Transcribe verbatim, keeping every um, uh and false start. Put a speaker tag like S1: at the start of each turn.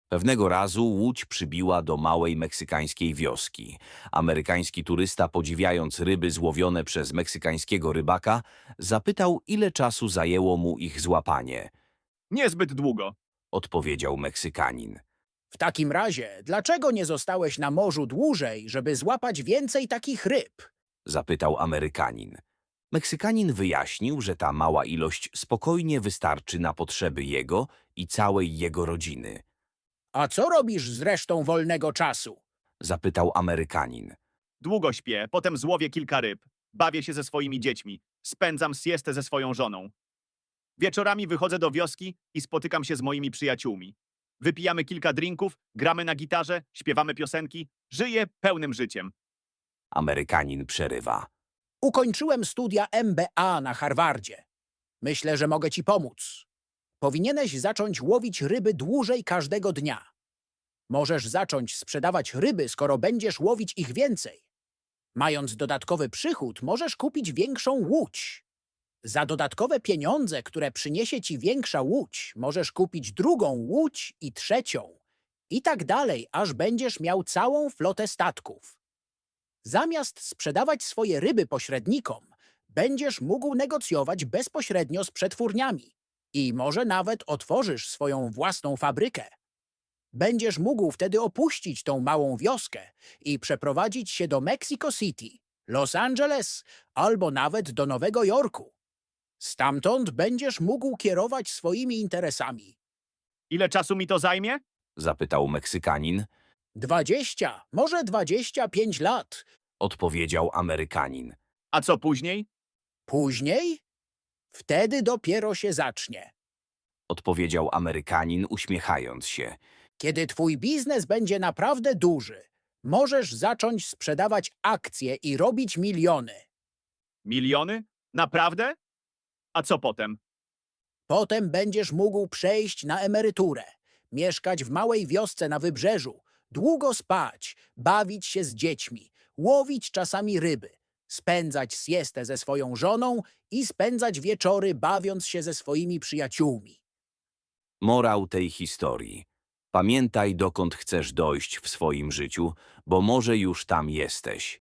S1: Pewnego razu łódź przybiła do małej meksykańskiej wioski. Amerykański turysta, podziwiając ryby złowione przez meksykańskiego rybaka, zapytał, ile czasu zajęło mu ich złapanie.
S2: Niezbyt długo.
S1: Odpowiedział Meksykanin.
S3: W takim razie, dlaczego nie zostałeś na morzu dłużej, żeby złapać więcej takich ryb?
S1: Zapytał Amerykanin. Meksykanin wyjaśnił, że ta mała ilość spokojnie wystarczy na potrzeby jego i całej jego rodziny.
S3: A co robisz z resztą wolnego czasu?
S1: Zapytał Amerykanin.
S2: Długo śpię, potem złowię kilka ryb. Bawię się ze swoimi dziećmi. Spędzam siestę ze swoją żoną. Wieczorami wychodzę do wioski i spotykam się z moimi przyjaciółmi. Wypijamy kilka drinków, gramy na gitarze, śpiewamy piosenki. Żyję pełnym życiem.
S1: Amerykanin przerywa.
S3: Ukończyłem studia M B A na Harvardzie. Myślę, że mogę ci pomóc. Powinieneś zacząć łowić ryby dłużej każdego dnia. Możesz zacząć sprzedawać ryby, skoro będziesz łowić ich więcej. Mając dodatkowy przychód, możesz kupić większą łódź. Za dodatkowe pieniądze, które przyniesie ci większa łódź, możesz kupić drugą łódź i trzecią. I tak dalej, aż będziesz miał całą flotę statków. Zamiast sprzedawać swoje ryby pośrednikom, będziesz mógł negocjować bezpośrednio z przetwórniami. I może nawet otworzysz swoją własną fabrykę. Będziesz mógł wtedy opuścić tą małą wioskę i przeprowadzić się do Mexico City, Los Angeles albo nawet do Nowego Jorku. Stamtąd będziesz mógł kierować swoimi interesami.
S2: Ile czasu mi to zajmie?
S1: Zapytał Meksykanin.
S3: Dwadzieścia, może dwadzieścia pięć lat.
S1: Odpowiedział Amerykanin.
S2: A co później?
S3: Później? Wtedy dopiero się zacznie.
S1: Odpowiedział Amerykanin, uśmiechając się.
S3: Kiedy twój biznes będzie naprawdę duży, możesz zacząć sprzedawać akcje i robić miliony.
S2: Miliony? Naprawdę? A co potem?
S3: Potem będziesz mógł przejść na emeryturę, mieszkać w małej wiosce na wybrzeżu, długo spać, bawić się z dziećmi, łowić czasami ryby, spędzać siestę ze swoją żoną i spędzać wieczory bawiąc się ze swoimi przyjaciółmi.
S1: Morał tej historii. Pamiętaj, dokąd chcesz dojść w swoim życiu, bo może już tam jesteś.